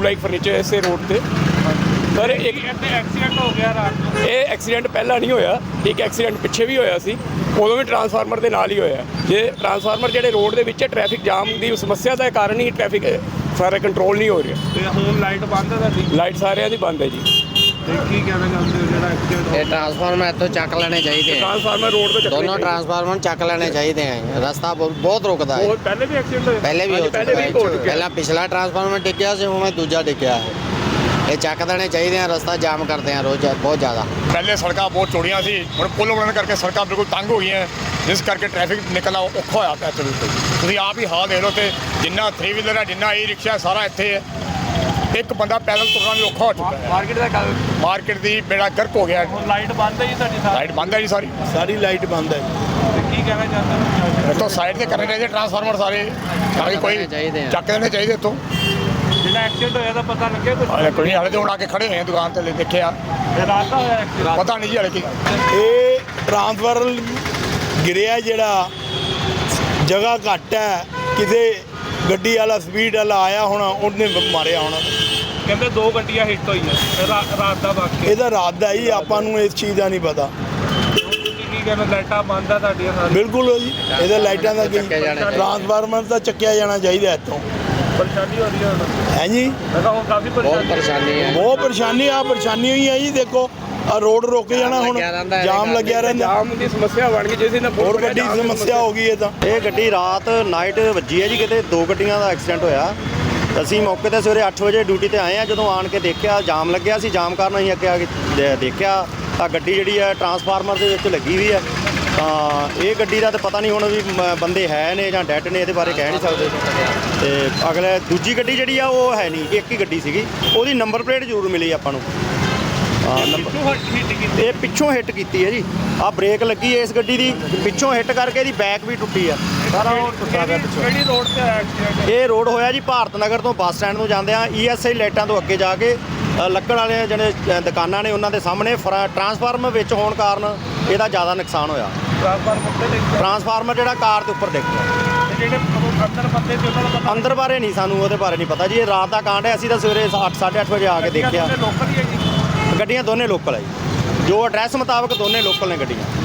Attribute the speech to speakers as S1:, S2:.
S1: New like furniture इसे road पे पर एक
S2: एक्सीडेंट हो गया रात को।
S1: ਇਹ ਐਕਸੀਡੈਂਟ ਪਹਿਲਾਂ ਨਹੀਂ ਹੋਇਆ, ਇੱਕ ਐਕਸੀਡੈਂਟ ਪਿੱਛੇ ਵੀ ਹੋਇਆ ਸੀ, ਉਦੋਂ ਵੀ ਟਰਾਂਸਫਾਰਮਰ ਦੇ ਨਾਲ ਹੀ ਹੋਇਆ। ਜੇ ਟਰਾਂਸਫਾਰਮਰ ਜਿਹੜੇ ਰੋਡ ਦੇ ਵਿੱਚ ਟ੍ਰੈਫਿਕ ਜਾਮ ਦੀ ਸਮੱਸਿਆ ਦਾ ਕਾਰਨ ਹੀ ਟ੍ਰੈਫਿਕ ਸਾਰਾ ਕੰਟਰੋਲ ਨਹੀਂ ਹੋ ਰਿਹਾ।
S2: ਤੇ ਹੁਣ ਲਾਈਟ ਬੰਦ ਹੈ ਤੁਹਾਡੀ?
S1: ਲਾਈਟ ਸਾਰਿਆਂ ਦੀ ਬੰਦ ਹੈ ਜੀ।
S2: ਤੇ ਕੀ ਕਹਿਣਾ ਚਾਹੁੰਦੇ ਹੋ ਜਿਹੜਾ ਐਕਸੀਡੈਂਟ
S3: ਇਹ ਟਰਾਂਸਫਾਰਮਰ ਇੱਥੋਂ ਚੱਕ ਲੈਣੇ ਚਾਹੀਦੇ ਆ,
S1: ਟਰਾਂਸਫਾਰਮਰ ਰੋਡ ਤੋਂ
S3: ਦੋਨੋਂ ਟਰਾਂਸਫਾਰਮਰ ਚੱਕ ਲੈਣੇ ਚਾਹੀਦੇ ਆ। ਰਸਤਾ ਬਹੁਤ ਰੁਕਦਾ ਹੈ।
S2: ਪਹਿਲੇ ਵੀ ਐਕਸੀਡੈਂਟ ਹੋਇਆ?
S3: ਪਹਿਲੇ ਵੀ ਹੋ ਚੁੱਕਾ
S1: ਪਹਿਲੇ ਵੀ ਹੋ
S3: ਹੈ।
S1: ਚੁੱਕਿਆ।
S3: ਪਹਿਲਾਂ ਪਿਛਲਾ ਟਰਾਂਸਫਾਰਮਰ ਟਿਕਿਆ ਸੀ, ਹੁਣ ਦੂਜਾ ਟਿਕਿਆ ਹੈ। ਇਹ ਚੱਕ ਦੇਣੇ ਚਾਹੀਦੇ ਆ, ਰਸਤਾ ਜਾਮ ਕਰਦੇ ਆ ਰੋਜ਼ ਬਹੁਤ ਜ਼ਿਆਦਾ।
S4: ਪਹਿਲੇ ਸੜਕਾਂ ਬਹੁਤ ਚੌੜੀਆਂ ਸੀ, ਹੁਣ ਪੁੱਲ ਬਣਨ ਕਰਕੇ ਸੜਕਾਂ ਬਿਲਕੁਲ ਤੰਗ ਹੋ ਗਈਆਂ, ਜਿਸ ਕਰਕੇ ਟ੍ਰੈਫਿਕ ਨਿਕਲਣਾ ਔਖਾ ਹੋਇਆ ਪਿਆ ਇੱਥੇ। ਬਿਲਕੁਲ ਤੁਸੀਂ ਆਪ ਹੀ ਹਾਲ ਦੇਖ ਲਓ, ਤੇ ਜਿੰਨਾ 3 ਵੀਲਰ ਹੈ, ਜਿੰਨਾ ਈ ਰਿਕਸ਼ਾ ਸਾਰਾ ਇੱਥੇ ਹੈ। ਇੱਕ ਬੰਦਾ ਪੈਦਲ ਤੁਰਨਾ ਵੀ ਔਖਾ ਹੋ ਚੁੱਕਾ ਹੈ। ਮਾਰਕੀਟ ਦੀ ਬੇੜਾ ਗਰਕ ਹੋ ਗਿਆ।
S2: ਹੁਣ ਲਾਈਟ ਬੰਦ ਹੈ ਜੀ ਤੁਹਾਡੀ ਸਾਰੀ?
S4: ਲਾਈਟ ਬੰਦ ਹੈ ਜੀ ਸਾਰੀ
S5: ਲਾਈਟ ਬੰਦ ਹੈ।
S2: ਤੇ ਕੀ ਕਹਿਣਾ ਚਾਹੁੰਦੇ ਹੋ?
S4: ਇੱਥੋਂ ਸਾਈਡ ਤੇ ਕਰਨੇ ਚਾਹੀਦੇ ਟਰਾਂਸਫਾਰਮਰ ਸਾਰੇ, ਤਾਂ ਕਿ ਕੋਈ ਚੱਕ ਦੇਣੇ ਚਾਹੀਦੇ ਇੱਥੋਂ।
S2: ਜਿਹੜਾ ਐਕਸੀਡੈਂਟ ਹੋਇਆ ਤਾਂ ਪਤਾ ਲੱਗਿਆ ਕੁਝ?
S4: ਕੋਈ ਹਾਲੇ ਤੇ ਹੁਣ ਆ ਕੇ ਖੜੇ ਹੋਏ ਆ ਦੁਕਾਨ ਤੇ, ਦੇਖਿਆ
S2: ਇਹ ਰਾਤ ਦਾ ਹੋਇਆ ਐਕਸੀਡੈਂਟ?
S4: ਪਤਾ ਨਹੀਂ ਜੀ ਹਾਲੇ ਕੀ।
S5: ਇਹ ਟਰਾਂਸਫਾਰਮਰ ਗਿਰਿਆ, ਜਿਹੜਾ ਜਗ੍ਹਾ ਘੱਟ ਹੈ, ਕਿਤੇ ਗੱਡੀ ਵਾਲਾ ਸਪੀਡ ਵਾਲਾ ਆਇਆ ਹੋਣਾ, ਉਹਨੇ ਮਾਰਿਆ ਹੋਣਾ।
S2: ਕਹਿੰਦੇ 2 ਗੱਡੀਆਂ ਹਿੱਟ ਹੋਈਆਂ ਰਾਤ ਦਾ ਵਾਕਿਆ।
S5: ਇਹਦਾ ਰਾਤ ਦਾ ਹੀ, ਆਪਾਂ ਨੂੰ ਇਸ ਚੀਜ਼ ਦਾ ਨਹੀਂ ਪਤਾ।
S2: ਤੁਸੀਂ ਕੀ ਕਹਿੰਦੇ, ਲਾਈਟਾਂ ਬੰਦ ਆ ਤੁਹਾਡੀਆਂ ਸਾਰੀਆਂ?
S5: ਬਿਲਕੁਲ ਜੀ, ਇਹਦਾ ਲਾਈਟਾਂ ਦਾ ਕੀ, ਟਰਾਂਸਫਾਰਮਰ ਤਾਂ ਚੱਕਿਆ ਜਾਣਾ ਚਾਹੀਦਾ ਇੱਥੋਂ।
S2: ਪਰੇਸ਼ਾਨੀ ਹੋ ਰਹੀ ਹੈ ਹੁਣ?
S5: ਹੈ ਜੀ,
S2: ਮੈਂ ਕਿਹਾ ਹੁਣ ਕਾਫੀ
S3: ਬਹੁਤ ਪਰੇਸ਼ਾਨੀ ਹੈ।
S5: ਬਹੁਤ ਪਰੇਸ਼ਾਨੀ ਹੋਈ ਹੈ ਜੀ। ਦੇਖੋ ਆ ਰੋਡ ਰੁਕ ਜਾਣਾ, ਹੁਣ ਜਾਮ ਲੱਗਿਆ ਰਹਿੰਦਾ,
S1: ਜਾਮ ਦੀ ਸਮੱਸਿਆ ਬਣ ਗਈ, ਜਿਸ ਨਾਲ
S5: ਹੋਰ ਵੱਡੀ ਸਮੱਸਿਆ ਹੋ ਗਈ ਇਹ ਤਾਂ।
S6: ਇਹ ਗੱਡੀ ਰਾਤ ਨਾਈਟ ਵੱਜੀ ਹੈ ਜੀ, ਕਿਤੇ 2 ਗੱਡੀਆਂ ਦਾ ਐਕਸੀਡੈਂਟ ਹੋਇਆ। ਅਸੀਂ ਮੌਕੇ ਤੇ ਸਵੇਰੇ 8 ਵਜੇ ਡਿਊਟੀ ਤੇ ਆਏ ਆ। ਜਦੋਂ ਆਣ ਕੇ ਦੇਖਿਆ ਜਾਮ ਲੱਗਿਆ ਸੀ, ਜਾਮ ਕਾਰਨ ਅਸੀਂ ਅੱਗੇ ਆ ਕੇ ਦੇਖਿਆ ਤਾਂ ਗੱਡੀ ਜਿਹੜੀ ਹੈ ਟਰਾਂਸਫਾਰਮਰ ਦੇ ਵਿੱਚ ਲੱਗੀ ਹੋਈ ਹੈ। ਤਾਂ ਇਹ ਗੱਡੀ ਦਾ ਤਾਂ ਪਤਾ ਨਹੀਂ ਹੁਣ ਵੀ ਬੰਦੇ ਹੈ ਨੇ ਜਾਂ ਡੈਡ ਨੇ, ਇਹਦੇ ਬਾਰੇ ਕਹਿ ਨਹੀਂ ਸਕਦੇ। ਤੇ ਅਗਲੇ ਦੂਜੀ ਗੱਡੀ ਜਿਹੜੀ ਆ ਉਹ ਹੈ ਨਹੀਂ, ਇੱਕ ਹੀ ਗੱਡੀ ਸੀਗੀ, ਉਹਦੀ ਨੰਬਰ ਪਲੇਟ ਜ਼ਰੂਰ ਮਿਲੀ ਆਪਾਂ ਨੂੰ। ਇਹ ਪਿੱਛੋਂ ਹਿੱਟ ਕੀਤੀ ਹੈ ਜੀ। ਆ ਬ੍ਰੇਕ ਲੱਗੀ ਹੈ ਇਸ ਗੱਡੀ ਦੀ, ਪਿੱਛੋਂ ਹਿੱਟ ਕਰਕੇ ਇਹਦੀ ਬੈਕ ਵੀ ਟੁੱਟੀ ਆ, ਸਾਰਾ ਉਹ ਟੁੱਟਾ ਪਿਆ ਪਿੱਛੋਂ।
S2: ਕਿਹੜੀ ਰੋਡ ਤੇ ਆਇਆ ਐਕਸੀਡੈਂਟ?
S6: ਇਹ ਰੋਡ ਹੋਇਆ ਜੀ ਭਾਰਤ ਨਗਰ ਤੋਂ ਬੱਸ ਸਟੈਂਡ ਨੂੰ ਜਾਂਦੇ ਆ, ESI ਲਾਈਟਾਂ ਤੋਂ ਅੱਗੇ ਜਾ ਕੇ ਲੱਕੜ ਵਾਲੇ ਜਿਹੜੇ ਦੁਕਾਨਾਂ ਨੇ ਉਹਨਾਂ ਦੇ ਸਾਹਮਣੇ ਟਰਾਂਸਫਾਰਮਰ ਵਿੱਚ ਹੋਣ ਕਾਰਨ ਇਹਦਾ ਜ਼ਿਆਦਾ ਨੁਕਸਾਨ ਹੋਇਆ। ਟਰਾਂਸਫਾਰਮਰ ਜਿਹੜਾ ਕਾਰ ਦੇ ਉੱਪਰ ਡਿੱਗ ਗਿਆ।
S2: ਤੇ ਜਿਹੜੇ ਅੰਦਰ ਬੰਦੇ ਸੀ ਉਹਨਾਂ ਦਾ ਪਤਾ?
S6: ਅੰਦਰ ਬਾਰੇ ਨਹੀਂ, ਸਾਨੂੰ ਉਹਦੇ ਬਾਰੇ ਨਹੀਂ ਪਤਾ ਜੀ। ਇਹ ਰਾਤ ਦਾ ਕਾਂਡ ਹੈ, ਅਸੀਂ ਤਾਂ ਸਵੇਰੇ 8-8:30 ਵਜੇ ਆ ਕੇ ਦੇਖਿਆ।
S2: ਲੋਕਲ ਹੀ ਹੈ ਜੀ?
S6: ਗੱਡੀਆਂ ਦੋਨੇ ਲੋਕਲ ਹੈ ਜੀ, ਜੋ ਐਡਰੈਸ ਮੁਤਾਬਕ ਦੋਨੇ ਲੋਕਲ ਨੇ ਗੱਡੀਆਂ।